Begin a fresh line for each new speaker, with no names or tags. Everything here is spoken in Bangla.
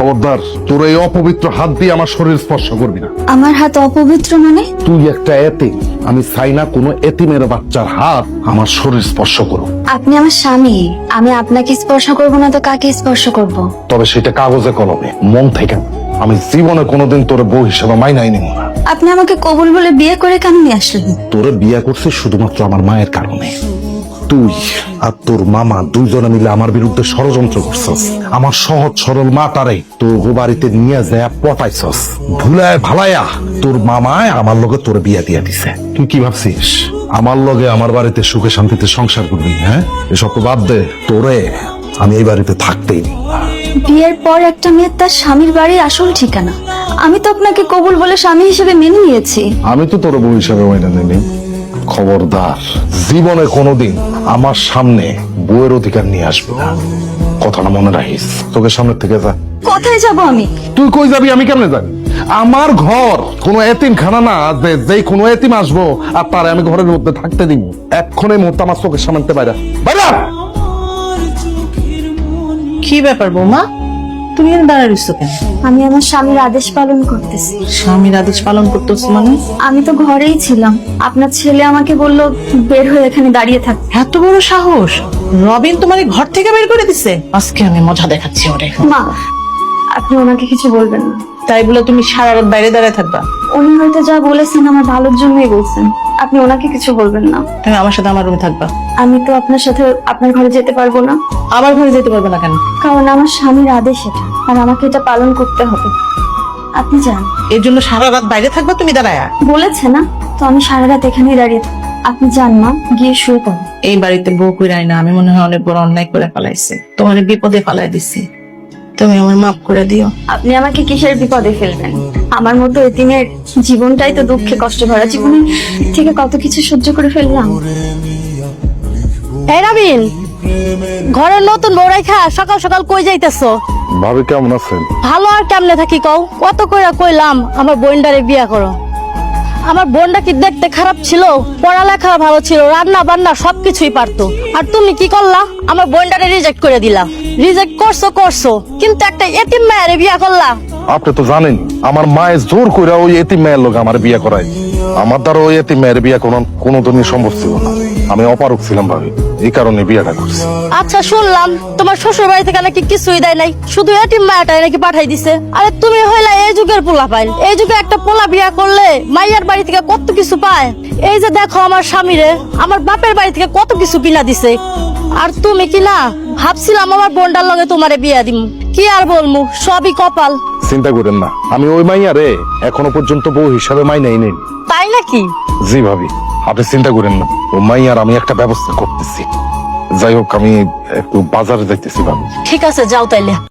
খবরদার, তোর এই অপবিত্র হাত দিয়ে আমার শরীর স্পর্শ করবি না।
আমার হাত অপবিত্র মানে?
তুই একটা এতিম, আমি চাই না কোনো এতিমের বাচ্চার হাত আমার শরীর স্পর্শ করুক।
আপনি আমার স্বামী, আমি আপনাকে স্পর্শ করব না তো কাকে স্পর্শ করব?
তবে সেটা কাগজে কলমে, মন থেকে না। আমি জীবনে কোনোদিন তোর বউ হিসেবে মাইনাই নিব না।
আপনি আমাকে কবুল বলে বিয়ে করে কেন নিয়ে আসলেন?
তোরে বিয়ে করছিস শুধুমাত্র আমার মায়ের কারণে। তুই আর তোর মামা দুইজনে মিলে আমার বিরুদ্ধে ষড়যন্ত্র করছস। আমার সহজ সরল মাটারে তোর বাড়িতে নিয়ে যায় পটাইছস। ভুলায় ভালাইয়া তোর মামায় আমার লগে তোর বিয়ে দিয়ে দিছে। তুই কি ভাবছিস আমার লগে আমার বাড়িতে সুখে শান্তিতে সংসার করবি? হ্যাঁ, এসব তো বাদ দে। তোরে আমি এই বাড়িতে থাকতেই দিব না।
বিয়ের পর একটা মেয়ে তার স্বামীর বাড়ির আসল ঠিকানা। আমি তো আপনাকে কবুল বলে স্বামী হিসেবে মেনে নিয়েছি।
আমি তো তোর বউ হিসাবে মাইনা নিনি। খবরদার, জীবনে কোনোদিন আমার সামনে বউয়ের অধিকার নিয়ে আসবি না। কথাটা মনে রাখিস। তোকে সামনে থেকে যা।
কোথায় যাব আমি?
তুই কই যাবি আমি কেমনে জানি? আমার ঘর কোনো এতিম খানা না যে যেই কোনো এতিম আসবো আর তারে আমি ঘরের মধ্যে থাকতে দিব। এক্ষণে মুহূর্তে আমার চোখের সামনে বাইরে বাইরে।
কি ব্যাপার বৌমা, তুমি এখানে দাঁড়ায় রইছো কেন?
আমি আমার স্বামীর আদেশ পালন করতেছি।
স্বামীর আদেশ পালন করতেছো মানে?
আমি তো ঘরেই ছিলাম, আপনার ছেলে আমাকে বলল বের হয়ে এখানে দাঁড়িয়ে থাক।
এত বড় সাহস! রবিন তোমাকে ঘর থেকে বের করে দিছে। আজকে আমি মজা দেখাচ্ছি ওরে।
মা, আপনি ওনাকে কিছু বলবেন না।
তাই বলে তুমি সারা রাত বাইরে দাঁড়ায় থাকবা?
উনি হয়তো যা বলেছেন আমার ভালোর জন্যই বলছেন। আপনি ওনাকে কিছু বলবেন না।
তুমি আমার সাথে আমার রুমে থাকবা।
আমি তো আপনার সাথে আপনার ঘরে যেতে পারবো না।
আমার ঘরে যেতে পারবে না কেন?
কারণ আমার স্বামীর আদেশ এটা, আর আমাকে এটা পালন করতে হবে। আপনি যান।
এর জন্য সারা রাত বাইরে থাকবা তুমি দাঁড়ায়?
বলেছে না তো, আমি সারা রাত এখানেই দাঁড়িয়ে থাকবো। আপনি যান মা, গিয়ে শুয়ে পড়ুন।
এই বাড়িতে বউ কইরাই না, আমি মনে হয় অনেক বড় অন্যায় করে ফেলাইছে। তোমার বিপদে ফেলাই দিছি, তুমি আমার মাফ করে দিও।
আপনি আমাকে কিসের বিপদে ফেলবেন? আমার মতো এতিমের জীবনটাই তো দুঃখে কষ্ট ভরা। জীবনে থেকে কত কিছু সহ্য করে ফেললাম।
এই রবিন, ঘরের নতুন বউ রাইখা সকাল সকাল কই যাইতেছো?
ভাবি কেমন আছেন?
ভালো আর কেমনে থাকি কও? কত কইরা কইলাম আমার বোনটারে বিয়া করো। আমার বোনটা কি দেখতে খারাপ ছিল? পড়ালেখা ভালো ছিল, রান্না বান্না সবকিছুই পারতো। আর তুমি কি করলা? আমার বোনটারে রিজেক্ট করে দিলা। রিজেক্ট করছো কিন্তু একটা এতিম মায়ের বিয়া করলা।
আপনি তো জানেন আমার মায়ের জোর করে ওই এতিম মেয়ের লোক আমার বিয়ে করায়। আমার দ্বারা ওই এতিম মেয়ের বিয়ে কোনোদিনই সম্ভব ছিল না। আমি অপারক ছিলাম ভাবি, এই কারণে বিয়েটা করছি।
আচ্ছা, শুনলাম তোমার শ্বশুর বাড়ি থেকে নাকি কিছুই দেয় নাই, শুধু এতিম মায়াটাই নাকি পাঠাই দিছে। আরে তুমি হইলা এই যুগের পোলা পাইল। এই যুগে একটা পোলা বিয়া করলে মাইয়ার বাড়ি থেকে কত কিছু পায়। এই যে দেখো আমার স্বামীরে আমার বাপের বাড়ি থেকে কত কিছু কিনা দিছে। আর তুমি কি না ভাবছিলাম আমার বোনটার লগে তোমারে বিয়া দিম। কি আর বলমু, সবই কপাল।
চিন্তা করেন না, আমি ওই মাইয়া রে এখনো পর্যন্ত বউ হিসাবে মাইনাই নেই।
তাই নাকি?
জি ভাবি, আপনি চিন্তা করেন না, ও মাইয়ার আমি একটা ব্যবস্থা করতেছি। যাই হোক, আমি একটু বাজারে যাইতেছি ভাবি।
ঠিক আছে, যাও তাইলে।